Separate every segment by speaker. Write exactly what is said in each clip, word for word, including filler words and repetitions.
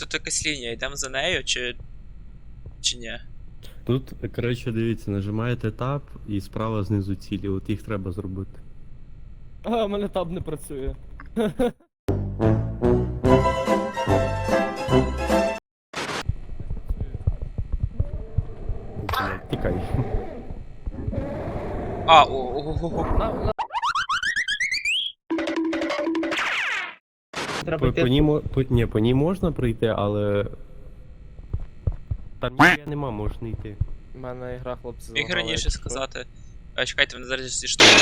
Speaker 1: Тут якась лінія, йдемо за нею, чи. чи ні?
Speaker 2: Тут, коротше, дивіться, нажимаєте таб і справа знизу цілі, от їх треба зробити.
Speaker 3: А, у мене таб не працює.
Speaker 2: Блядь, тікай.
Speaker 1: А, о, о, о, о.
Speaker 3: На, на...
Speaker 2: По, по, ній, мо- по, ні, по ній можна пройти, але... Там ніхуя нема, можна йти.
Speaker 3: У мене ігра, хлопці,
Speaker 1: Міг
Speaker 3: залагала,
Speaker 1: раніше
Speaker 3: якщо
Speaker 1: сказати. А, чекайте, вони зараз зі штуки.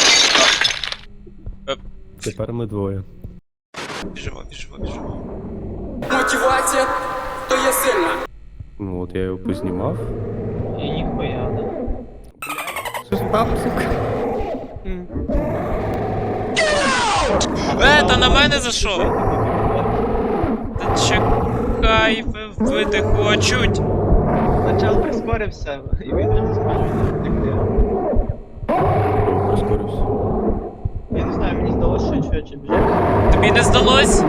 Speaker 2: Тепер ми двоє.
Speaker 1: Біжимо, біжимо, біжимо.
Speaker 4: Мотивація то є сильна.
Speaker 2: Ну от я його познімав.
Speaker 5: І ніхуя, да.
Speaker 2: Що ж там, сука?
Speaker 3: М.
Speaker 1: Е, та на мене зайшов! Та чекай, ви вбити хочуть!
Speaker 5: Начал прискорився, і він вже заскочив.
Speaker 2: Прискорився.
Speaker 5: Я не знаю, мені здалося, що я чую, чи біжав.
Speaker 1: Тобі не здалось?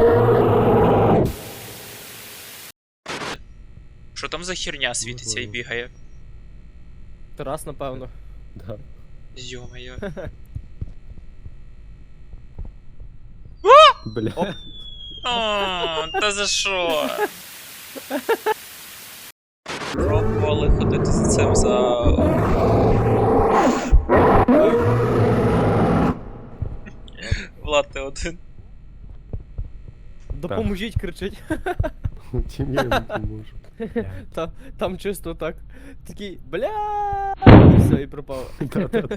Speaker 1: Що там за херня світиться і бігає?
Speaker 3: Тарас, напевно.
Speaker 2: Да.
Speaker 1: Йо-моє.
Speaker 2: Бля.
Speaker 1: О, та за що? Пробували ходити за цим за... Влад, ти один.
Speaker 3: Допоможіть, кричить.
Speaker 2: Чим я йому поможу?
Speaker 3: Та, там чисто так. Такий, бля. І все, і пропав.
Speaker 2: Да-да-да.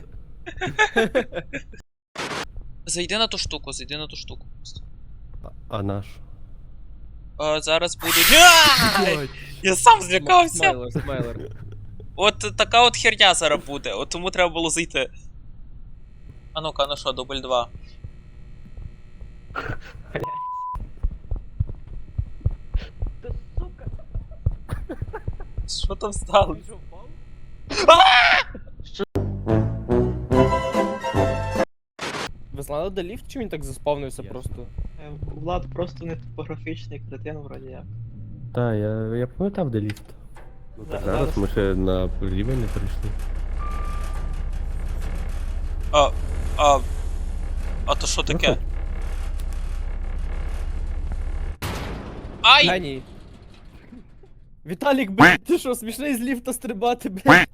Speaker 1: Зайди на ту штуку, зайди на ту штуку.
Speaker 2: А- А наш?
Speaker 1: А, зараз будуть... Ай! Я сам злякався!
Speaker 3: Смайлер, смайлер.
Speaker 1: От така от херня зараз буде, от тому треба було зайти. А ну-ка, ну що, дубль два. Що там стало?
Speaker 3: Ви знали, де ліфт, чи він так заспавнився
Speaker 2: Ясно.
Speaker 3: просто?
Speaker 5: Е, Влад просто не топографічний кретин, вроді як.
Speaker 2: Так, я, я пам'ятав, де ліфт. Ну,
Speaker 5: Да,
Speaker 2: так, зараз ми ще на рівень не перейшли.
Speaker 1: А, а... А то що таке? Ай!
Speaker 3: Геній. Віталік, блядь, ти що, смішний з ліфта стрибати, блядь?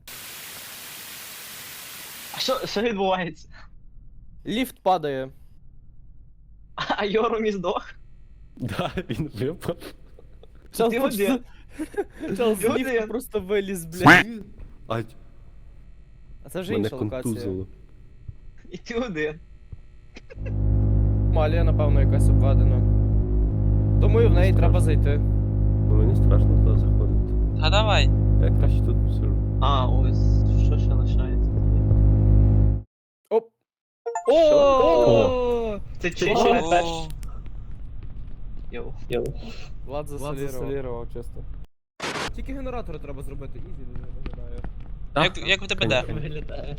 Speaker 5: А що, що відбувається?
Speaker 3: Ліфт падає.
Speaker 5: А Йоромі здох?
Speaker 2: Да, він випав.
Speaker 3: Чел,
Speaker 5: Ти
Speaker 3: просто...
Speaker 5: один.
Speaker 3: Чел з
Speaker 5: Ти
Speaker 3: ліфта
Speaker 5: один.
Speaker 3: просто виліз, блядь.
Speaker 2: А,
Speaker 3: А це вже
Speaker 2: мене
Speaker 3: інша локація.
Speaker 2: контузило.
Speaker 5: І ти один.
Speaker 3: Малія, напевно, якась обведена. Думаю, в неї треба зайти.
Speaker 2: Ну мені страшно туди заходити.
Speaker 1: А давай.
Speaker 2: Я краще тут сижу.
Speaker 5: А, ось, що ще лишається?
Speaker 3: Оп. О!
Speaker 5: Це чи
Speaker 3: О!
Speaker 5: ще не перший? Йоу.
Speaker 3: Влад засолірував, чисто. Тільки генератори треба зробити, ізі виглядає.
Speaker 1: Як, як в тебе де?
Speaker 5: Виглядає.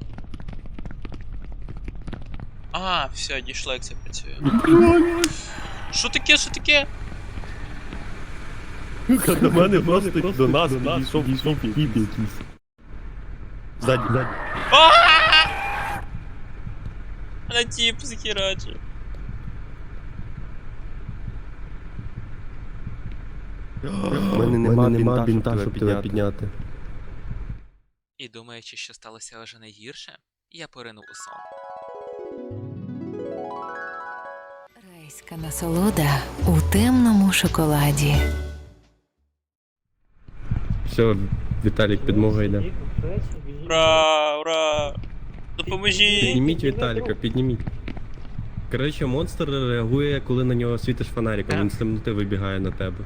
Speaker 1: А, все, дійшло, як це працює. Що таке, що таке?
Speaker 2: До мене просто до нас підійшов піп якийсь. Ззаді, ззаді.
Speaker 1: На тіп захерачив.
Speaker 2: У мене нема, нема бінта, щоб тебе підняти.
Speaker 1: І думаючи, що сталося вже найгірше, я поринув у сон.
Speaker 6: Райська насолода у темному шоколаді.
Speaker 2: Все, Віталік, підмога йде.
Speaker 1: Ура, ура! Допоможіть!
Speaker 2: Підніміть Віталіка, підніміть. Коротше, монстр реагує, коли на нього світиш фонариком, він з темноти вибігає на тебе.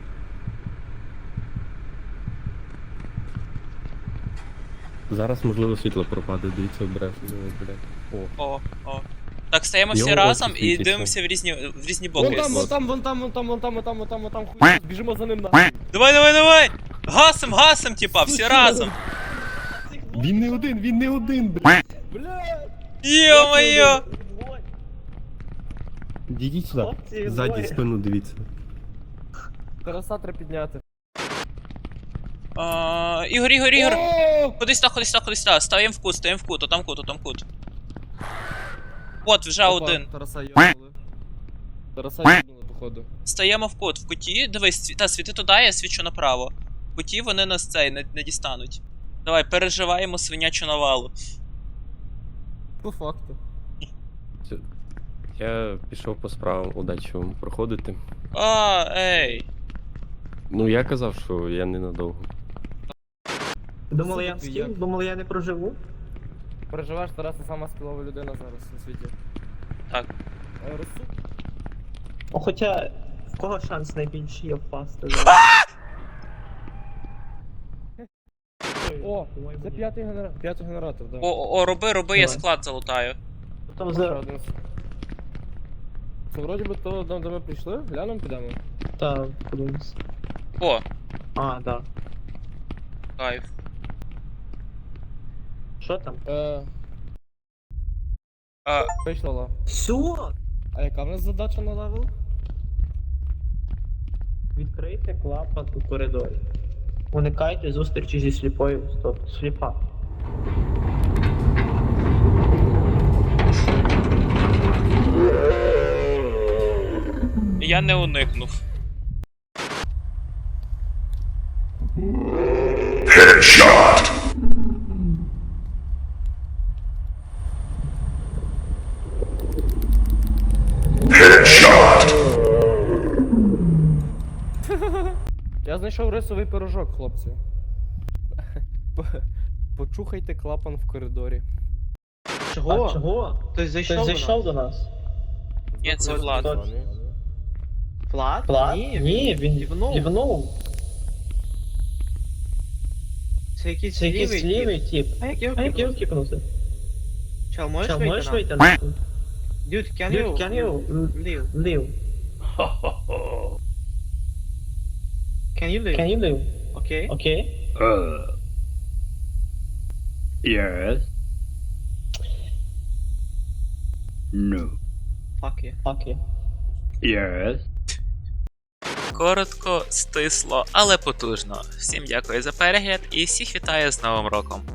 Speaker 2: Зараз, можливо, світло пропаде, дивіться обережно. О.
Speaker 1: О, о. Так, стаємо всі
Speaker 2: Його
Speaker 1: разом
Speaker 2: очі
Speaker 1: і
Speaker 2: світяться.
Speaker 1: дивимося в різні, в різні
Speaker 3: Вон
Speaker 1: боки.
Speaker 3: там, вон там, вон там, вон там, вон там, вон там, вон там, вон там, хуй. Біжимо за ним на.
Speaker 1: Давай, давай, давай! Гасим, гасим, типа, всі разом!
Speaker 2: Він не один, він не один, блядь.
Speaker 3: Бля!
Speaker 1: Йо-моє!
Speaker 2: Дідіть сюди.
Speaker 5: Хлопці,
Speaker 2: Ззаді
Speaker 5: двоє.
Speaker 2: спину дивіться.
Speaker 3: Тараса треба підняти.
Speaker 1: А, Ігор, Ігор, Ігор!
Speaker 3: О!
Speaker 1: Кудись так, кудись так, кудись так. Ставим в кут, ставим в кут, отам кут, отам кут. От, вже
Speaker 3: Опа,
Speaker 1: один.
Speaker 3: Тараса йобнули. Тараса йобнули, походу.
Speaker 1: Стаємо в кут. В куті, дивись, сві- та світи туди, я свічу направо. В куті вони нас цей не, не дістануть. Давай, переживаємо свинячу навалу.
Speaker 3: По факту.
Speaker 2: Я пішов по справам, удачі вам проходити.
Speaker 1: А, ей.
Speaker 2: Ну я казав, що я ненадовго.
Speaker 5: Думали, я
Speaker 3: Слухай,
Speaker 5: встиг?
Speaker 3: як?
Speaker 5: Думали, я не проживу?
Speaker 3: Переживаєш, Тарас, це сама скілова людина зараз на світі.
Speaker 1: Так.
Speaker 3: Е, Розсуд.
Speaker 5: О, хоча, в кого шанс найбільший є впасти?
Speaker 3: О, це п'ятий генератор, п'ятий генератор, да.
Speaker 1: О, о, о, роби, роби, я
Speaker 5: Давай.
Speaker 1: склад залутаю.
Speaker 5: Там
Speaker 3: Ще
Speaker 5: за...
Speaker 3: один. Це вроді би то, де ми прийшли, глянемо, підемо.
Speaker 5: Та, подивимось.
Speaker 1: О,
Speaker 5: А, да.
Speaker 1: кайф.
Speaker 5: Що там?
Speaker 3: Е,
Speaker 1: А,
Speaker 3: вийшла.
Speaker 5: Все!
Speaker 3: А яка в нас задача на левел?
Speaker 5: Відкрийте клапан у коридорі. Уникайте зустрічі зі сліпою. Стоп, сліпа.
Speaker 1: я не уникнув.
Speaker 3: Я знайшов рисовий пирожок, хлопці. Почухайте клапан в коридорі.
Speaker 5: Чого? А, чого?
Speaker 4: Хтось зайшов,
Speaker 5: Хтось зайшов до нас?
Speaker 1: Ні, це Влад.
Speaker 4: Влад?
Speaker 5: Влад?
Speaker 4: Ні,
Speaker 5: Ні, він
Speaker 4: Дівнув.
Speaker 5: дівнув.
Speaker 4: Це якийсь
Speaker 5: Це якийсь
Speaker 4: лівий
Speaker 5: лівий тип.
Speaker 4: тип. А як його
Speaker 5: А як його
Speaker 4: кіпнути?
Speaker 5: кіпнути?
Speaker 4: Чел, можеш
Speaker 5: Чел,
Speaker 4: вийти
Speaker 5: можеш
Speaker 4: на?
Speaker 5: вийти на?
Speaker 4: Dude, can
Speaker 5: Dude,
Speaker 4: you?
Speaker 5: can you?
Speaker 4: Leave.
Speaker 5: Лів.
Speaker 4: Can you leave?
Speaker 5: Can you live?
Speaker 4: Окей.
Speaker 5: Окей?
Speaker 7: Uh, yes. No.
Speaker 4: Fuck you.
Speaker 5: Окей.
Speaker 7: Yes.
Speaker 1: Коротко, стисло, але потужно. Всім дякую за перегляд і всіх вітаю з Новим роком.